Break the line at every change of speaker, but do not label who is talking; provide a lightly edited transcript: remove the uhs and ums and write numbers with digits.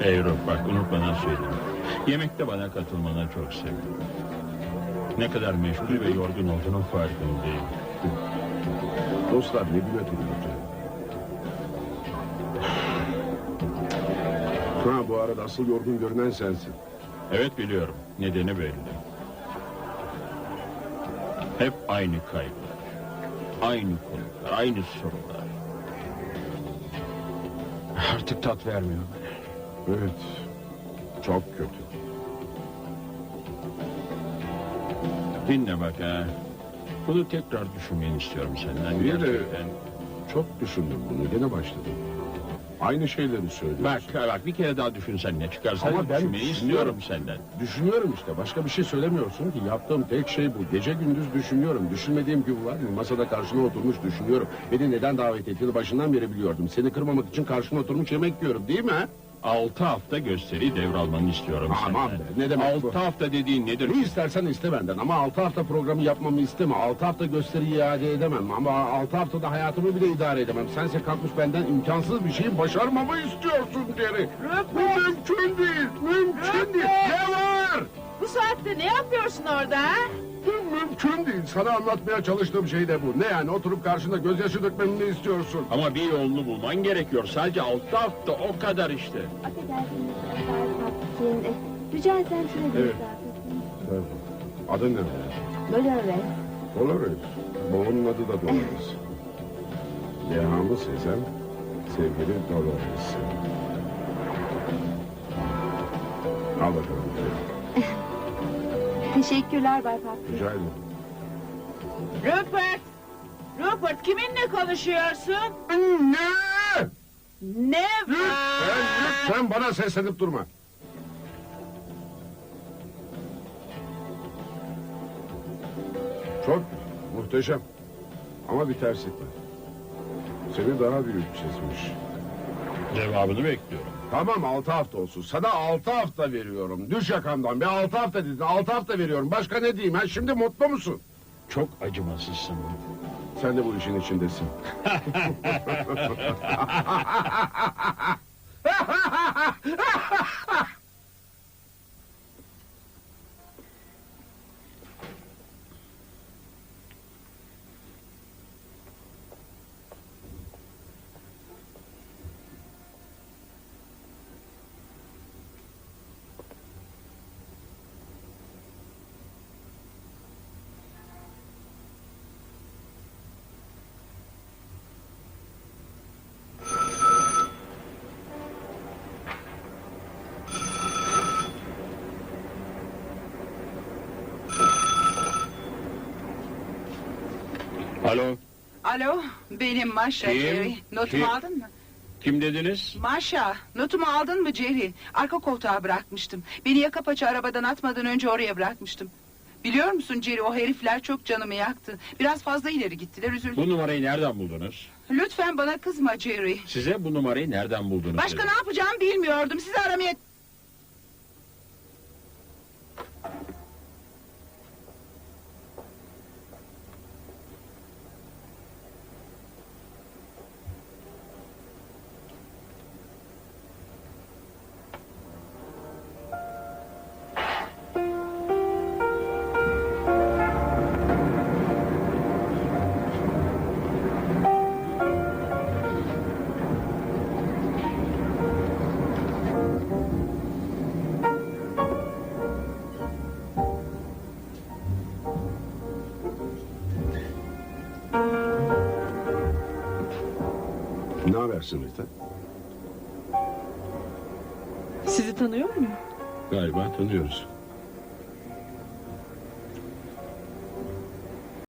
Rupert, bak unutmadan söyleyeyim. Yemekte bana katılmana çok sevindim. Ne kadar meşgul ve yorgun olduğunun farkındayım.
Dostlar ne güne duruyordu. Ha, bu arada asıl yorgun görünen sensin.
Evet biliyorum, nedeni belli. Hep aynı kaygılar, aynı konular, aynı sorular. Artık tat vermiyor bana.
Evet. Çok kötü.
Dinle bak ha. Bunu tekrar düşünmeni istiyorum senden.
Bir de
Gerçekten.
çok düşündüm bunu. Gene başladım. Aynı şeyleri söylüyorsun.
Bak bir kere daha düşünsen ne çıkarsa
Ama ben
düşünmeyi istiyorum senden.
Düşünüyorum işte. Başka bir şey söylemiyorsun ki. Yaptığım tek şey bu. Gece gündüz düşünüyorum. Düşünmediğim gün var mı? Masada karşına oturmuş düşünüyorum. Beni neden davet ettiğini başından beri biliyordum. Seni kırmamak için karşına oturmuş yemek yiyorum, değil mi?
6 hafta gösteri devralmanı istiyorum
Aman
senden.
be, ne demek bu?
6 hafta dediğin nedir?
Ne istersen iste benden ama 6 hafta programı yapmamı isteme. 6 hafta gösteriyi iade edemem ama 6 haftada hayatımı bile idare edemem. Sense kalkmış benden imkansız bir şeyi başarmamı istiyorsun Jerry. Bu mümkün değil, mümkün değil. Ne var?
Bu saatte ne yapıyorsun orada ha?
Mümkün değil. Sana anlatmaya çalıştığım şey de bu. Ne yani, oturup karşında gözyaşı dökmemi mi istiyorsun?
Ama bir yolunu bulman gerekiyor. Sadece 6 hafta o kadar işte.
Affedersiniz Bay Papkin. Rica etsem şuraya bir
Evet.
misafir.
Adın ne?
Dolores.
Dolores. Babamın adı da Dolores. Dehamı Sezen, sevgili Dolores. Al bakalım.
Teşekkürler Bay Papkin.
Rica ederim.
Rupert! Rupert kiminle konuşuyorsun?
Ne?
Ne var?
Lütfen bana seslenip durma. Çok muhteşem. Ama bir terslik var. Seni daha büyük çizmiş.
Cevabını bekliyorum.
Tamam, 6 hafta olsun. Sana 6 hafta veriyorum. Düş yakamdan. Bir 6 hafta dedin. 6 hafta veriyorum. Başka ne diyeyim? Ha? Şimdi mutlu musun?
Çok acımasızsın.
Sen de bu işin içindesin.
Alo,
Alo, benim Maşa
Kim?
Jerry. Notumu
Kim?
aldın mı?
kim dediniz?
Maşa, notumu aldın mı Jerry? Arka koltuğa bırakmıştım. Beni yaka paça arabadan atmadan önce oraya bırakmıştım. Biliyor musun Jerry, o herifler çok canımı yaktı. Biraz fazla ileri gittiler, üzüldüm.
Bu numarayı nereden buldunuz?
Lütfen bana kızma Jerry.
Size bu numarayı nereden buldunuz?
Başka
dedim.
ne yapacağımı bilmiyordum. Sizi aramaya...
Ne habersin Rita?
Sizi tanıyor muyum?
Galiba tanıyoruz.